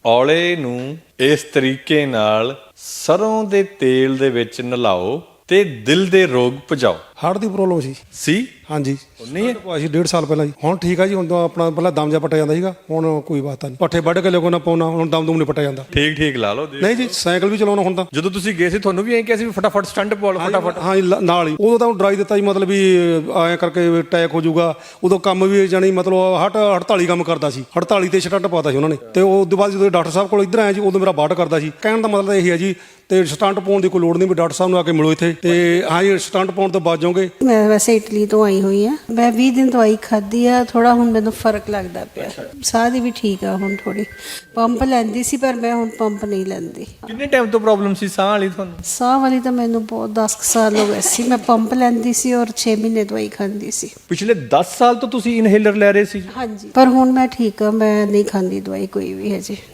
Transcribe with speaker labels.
Speaker 1: ਔਲੇ ਨੂੰ ਇਸ ਤਰੀਕੇ ਨਾਲ ਸਰੋਂ ਦੇ ਤੇਲ ਦੇ ਵਿੱਚ ਨਲਾਓ ਤੇ ਦਿਲ ਦੇ ਰੋਗ ਭਜਾਓ।
Speaker 2: ਹਾਰਟ ਦੀ ਪ੍ਰੋਬਲਮ ਸੀ ਹਾਂਜੀ
Speaker 1: ਨਹੀਂ ਹੈ
Speaker 2: ਭਾਜੀ 1.5 ਸਾਲ ਪਹਿਲਾਂ ਜੀ। ਹੁਣ ਠੀਕ ਆ ਜੀ, ਹੁਣ ਤਾਂ ਆਪਣਾ ਪਹਿਲਾਂ ਦਮ ਜਾ ਪੱਟਿਆ ਜਾਂਦਾ ਸੀਗਾ, ਹੁਣ ਕੋਈ ਬਾਤ ਨਹੀਂ। ਪੱਠੇ ਵੱਢ ਕੇ ਲਿਓ ਨਾ ਪਾਉਣਾ, ਹੁਣ ਦਮ ਦੁਮ ਨਹੀਂ ਪੱਟਿਆ ਜਾਂਦਾ।
Speaker 1: ਠੀਕ ਲਾ ਲਓ।
Speaker 2: ਨਹੀਂ ਜੀ, ਸਾਈਕਲ ਵੀ ਚਲਾਉਣਾ ਹੁਣ ਤਾਂ।
Speaker 1: ਜਦੋਂ ਤੁਸੀਂ ਗਏ ਸੀ ਤੁਹਾਨੂੰ ਵੀ ਐਂ ਕਿਹਾ ਸੀ ਵੀ ਫਟਾਫਟ ਸਟੰਟ ਪਾ ਲਓ ਫਟਾਫਟ?
Speaker 2: ਹਾਂ ਜੀ, ਨਾਲ ਹੀ ਉਦੋਂ ਤਾਂ ਡਰਾਈ ਦਿੱਤਾ ਜੀ, ਮਤਲਬ ਵੀ ਐਂ ਕਰਕੇ ਅਟੈਕ ਹੋ ਜਾਊਗਾ। ਉਦੋਂ ਕੰਮ ਵੀ ਜਾਣੀ ਮਤਲਬ 48 ਕੰਮ ਕਰਦਾ ਸੀ, 48 ਤੇ ਸਟੰਟ ਪਾਤਾ ਸੀ ਉਹਨਾਂ ਨੇ। ਤੇ ਉਸ ਤੋਂ ਬਾਅਦ ਜਦੋਂ ਡਾਕਟਰ ਸਾਹਿਬ ਕੋਲ ਇੱਧਰ ਆਇਆ ਜੀ, ਉਦੋਂ ਮੇਰਾ ਬਾਟ ਕਰਦਾ ਸੀ। ਕਹਿਣ ਦਾ ਮਤਲਬ ਇਹ ਹੈ ਜੀ, ਤੇ ਸਟੰਟ ਪਾਉਣ ਦੀ ਕੋਈ ਲੋੜ ਨਹੀਂ, ਵੀ ਡਾਕਟਰ ਸਾਹਿਬ ਨੂੰ ਆ ਕੇ ਮਿਲੋ ਇੱਥੇ ਤੇ ਹਾਂ ਜੀ ਸਟੰਟ ਪਾਉਣ ਤੋਂ ਬਚ ਜਾਓਗੇ।
Speaker 3: ਮੈਂ ਵੈਸੇ ਇਟਲੀ ਤੋਂ ਆਈ ਹੋਈ ਆ, ਮੈਂ 20 ਦਿਨ ਦਵਾਈ ਖਾਧੀ ਆ, ਥੋੜਾ ਹੁਣ ਮੈਨੂੰ ਫਰਕ ਲੱਗਦਾ ਪਿਆ। ਸਾਹ ਦੀ ਵੀ ਠੀਕ ਆ ਹੁਣ ਥੋੜੀ। ਪੰਪ ਲੈਂਦੀ ਸੀ ਪਰ ਮੈਂ ਹੁਣ ਪੰਪ ਨਹੀਂ ਲੈਂਦੀ।
Speaker 1: ਕਿੰਨੇ ਟਾਈਮ ਤੋਂ ਪ੍ਰੋਬਲਮ ਸੀ ਸਾਹ ਵਾਲੀ ਤੁਹਾਨੂੰ?
Speaker 3: ਸਾਹ ਵਾਲੀ ਤਾਂ ਮੈਨੂੰ ਬਹੁਤ 10 ਸਾਲ ਹੋ ਗਏ ਸੀ। ਮੈਂ ਪੰਪ ਲੈਂਦੀ ਸੀ ਔਰ 6 ਮਹੀਨੇ ਦਵਾਈ ਖਾਂਦੀ ਸੀ।
Speaker 1: ਪਿਛਲੇ 10 ਸਾਲ ਤੋਂ ਤੁਸੀਂ ਇਨਹੇਲਰ ਲੈ ਰਹੇ ਸੀ?
Speaker 3: ਹਾਂਜੀ, ਪਰ ਹੁਣ ਮੈਂ ਠੀਕ ਆ, ਮੈਂ ਨਹੀਂ ਖਾਂਦੀ ਦਵਾਈ ਕੋਈ ਵੀ ਹਜੇ।